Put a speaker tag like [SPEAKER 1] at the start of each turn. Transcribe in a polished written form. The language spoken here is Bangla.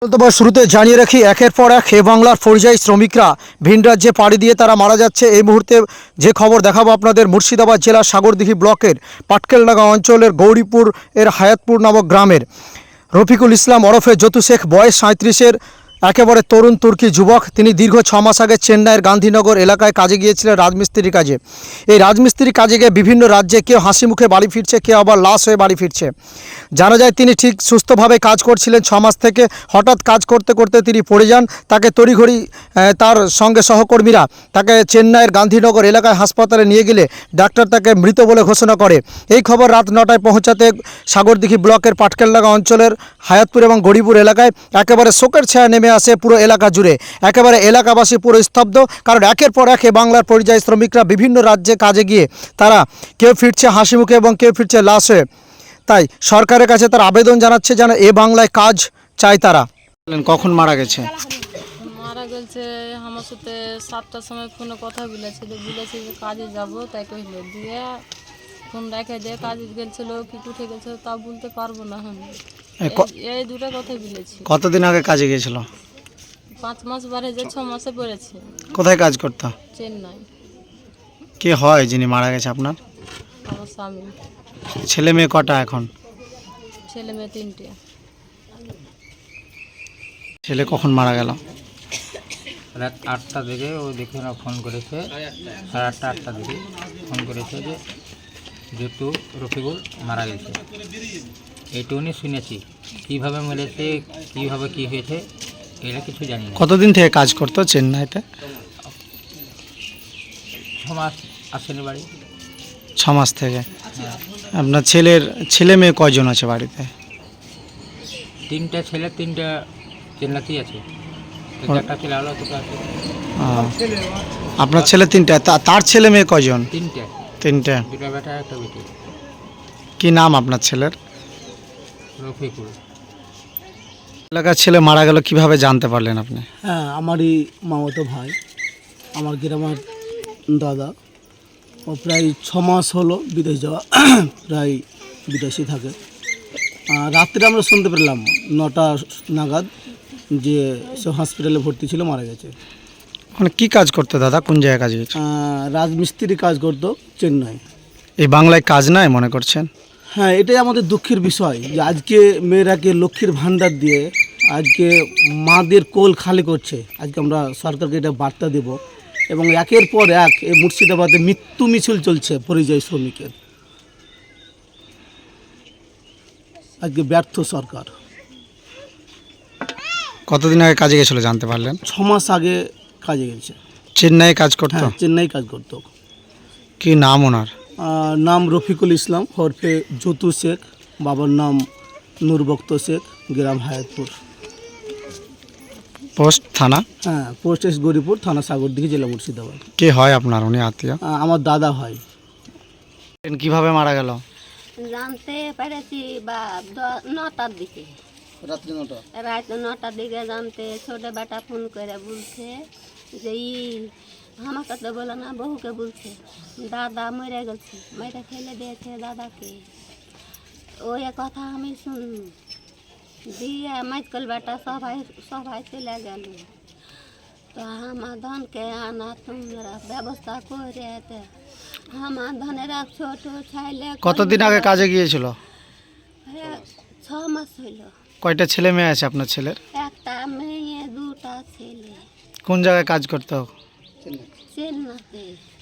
[SPEAKER 1] তবে শুরুতে জানিয়ে রাখি, একের পর এক বাংলার পরিযায়ী শ্রমিকরা ভিন রাজ্যে পাড়ি দিয়ে তারা মারা যাচ্ছে। এই মুহূর্তে যে খবর দেখাবো আপনাদের, মুর্শিদাবাদ জেলার সাগরদিঘি ব্লকের পাটকেলডাঙ্গা অঞ্চলের গৌরীপুর এর হায়াতপুর নামক গ্রামের রফিকুল ইসলাম ওরফে যতু শেখ, বয়স 37-এর, একেবারে তরুণ তুর্কি যুবক। তিনি দীর্ঘ 6 মাস আগে চেন্নাইয়ের গান্ধীনগর এলাকায় কাজে গিয়েছিলেন রাজমিস্ত্রির কাজে। এই রাজমিস্ত্রির কাজে গিয়ে বিভিন্ন রাজ্যে কেউ হাসি মুখে বাড়ি ফিরছে, কেউ আবার লাশ হয়ে বাড়ি ফিরছে। জানা যায় তিনি ঠিক সুস্থভাবে কাজ করছিলেন 6 মাস থেকে। হঠাৎ কাজ করতে করতে তিনি পড়ে যান। তাকে তড়িঘড়ি তার সঙ্গে সহকর্মীরা তাকে চেন্নাইয়ের গান্ধীনগর এলাকায় হাসপাতালে নিয়ে গেলে ডাক্তার তাকে মৃত বলে ঘোষণা করে। এই খবর রাত 9টায় পৌঁছাতে সাগরদিঘি ব্লকের পাটকেলডাঙ্গা অঞ্চলের হায়াতপুর এবং গৌরীপুর এলাকায় একেবারে শোকের ছায়া নেমে আসে পুরো এলাকা জুড়ে। একেবারে এলাকাবাসী পুরো স্তব্ধ, কারণ একের পর এক বাংলার পরিযায়ী শ্রমিকরা বিভিন্ন রাজ্যে কাজে গিয়ে তারা কেউ ফিরছে হাসি মুখে এবং কেউ ফিরছে লাশ হয়ে। তাই সরকারের কাছে তার আবেদন জানাচ্ছে যেন এ বাংলায় কাজ চায় তারা। কখন মারা গেছে?
[SPEAKER 2] মারা গেছে আমার সাথে 7টার সময় ফোনে কথা বলেছিল যে কাজে যাব, তাই কইল দিয়ে ফোন রেখে দিয়ে কাজে গেছিল কি উঠে গেছে তা বলতে পারবো না। আমি এই দুটো কথা বলেছি।
[SPEAKER 1] কতদিন আগে কাজে গিয়েছিল?
[SPEAKER 2] 5 মাস বারে যে 6 মাসে পড়েছে।
[SPEAKER 1] কোথায় কাজ করতো?
[SPEAKER 2] চেন্নাই।
[SPEAKER 1] কে হয় যিনি মারা গেছে আপনার?
[SPEAKER 2] আমার স্বামী।
[SPEAKER 1] ছেলে মেয়ে কটা এখন?
[SPEAKER 2] ছেলে মেয়ে 3টে।
[SPEAKER 1] ছেলে কখন মারা গেল?
[SPEAKER 3] রাত 8টা দিকে ও দেখে না ফোন করেছে, 8:30 8টা দিকে ফোন করেছে যে যেহেতু রফিকুল মারা গেছে। এইটুকুনি শুনেছি, কীভাবে মেরেছে কীভাবে কী হয়েছে এটা কিছু জানি না।
[SPEAKER 1] কতদিন থেকে কাজ করতো চেন্নাইতে?
[SPEAKER 3] 6 মাস আসেনি বাড়ি।
[SPEAKER 1] 6 মাস থেকে। আপনার ছেলে মেয়ে কয়জন আছে বাড়িতে?
[SPEAKER 3] 3টে ছেলে, 3টে চেন্নাইতেই আছে। একটা ছেলে হলো দুটো আছে।
[SPEAKER 1] আপনার ছেলে 3টে, তার ছেলে মেয়ে কয়জন?
[SPEAKER 3] 3টে।
[SPEAKER 1] 3টে।
[SPEAKER 3] 2টা বেটা একটা বেটি।
[SPEAKER 1] কি নাম আপনার ছেলের?
[SPEAKER 3] রফিকুল।
[SPEAKER 1] এলাকার ছেলে মারা গেল কিভাবে জানতে পারলেন আপনি?
[SPEAKER 4] হ্যাঁ, আমারই মামাতো ভাই, আমার গ্রামের দাদা। ও প্রায় 6 মাস হলো বিদেশ যাওয়া, প্রায় বিদেশে থাকে। রাত্রে আমরা শুনতে পেলাম 9টা নাগাদ যে সে হসপিটালে ভর্তি ছিল, মারা গেছে।
[SPEAKER 1] মানে কি কাজ করতো দাদা? কোন জায়গায় কাজ গেছে?
[SPEAKER 4] রাজমিস্ত্রি কাজ করতো চেন্নাই।
[SPEAKER 1] এই বাংলায় কাজ নাই মনে করছেন?
[SPEAKER 4] হ্যাঁ, এটাই আমাদের দুঃখের বিষয় যে আজকে মেয়েরাকে লক্ষ্মীর ভাণ্ডার দিয়ে আজকে মাদের কোল খালি করছে। আজকে আমরা সরকারকে এটা বার্তা দেব এবং একের পর এক এই মুর্শিদাবাদে মৃত্যু মিছিল চলছে পরিযায়ী শ্রমিকের। আজকে ব্যর্থ সরকার।
[SPEAKER 1] কতদিন আগে কাজে গেছিল জানতে পারলেন?
[SPEAKER 4] 6 মাস আগে কাজে গেছে।
[SPEAKER 1] চেন্নাই কাজ করতো?
[SPEAKER 4] হ্যাঁ, চেন্নাই কাজ করতো।
[SPEAKER 1] কি নাম ওনার?
[SPEAKER 4] নাম রফিকুল ইসলাম ওরফে যতু শেখ, বাবার নাম নূরবক্ত শেখ, গ্রাম হায়াতপুর।
[SPEAKER 1] পোস্ট থানা?
[SPEAKER 4] হ্যাঁ, পোস্ট এস গৌরীপুর, থানা সাগরদিঘি, জেলা মুর্শিদাবাদ।
[SPEAKER 1] কে হয় আপনার উনি আত্মীয়?
[SPEAKER 4] আমার দাদা হয়।
[SPEAKER 1] কিভাবে মারা গেল?
[SPEAKER 5] জানতে পেরেছি বা 9টার দিকে, রাত 9টার দিকে জানতে ছোট বেটা ফোন করে বলছে যে আমাকে তো বলো না, বহুকে বলছে দাদা মরে গেছে, মেরে ফেলে দিয়েছে দাদাকে। ওই কথা আমি শুন দিয়ে মাইকল বেটা সবাই চলে গেল। তো আমার ধনকে আনা তোমরা ব্যবস্থা করে আমার ধনের এক ছোট ছেলে।
[SPEAKER 1] কতদিন আগে কাজে গিয়েছিল?
[SPEAKER 5] 6 মাস হইল।
[SPEAKER 1] কয়টা ছেলে মেয়ে আছে আপনার ছেলের?
[SPEAKER 5] একটা মেয়ে, 2টা ছেলে।
[SPEAKER 1] কোন জায়গায় কাজ করতো?
[SPEAKER 5] চেন্নাইতে।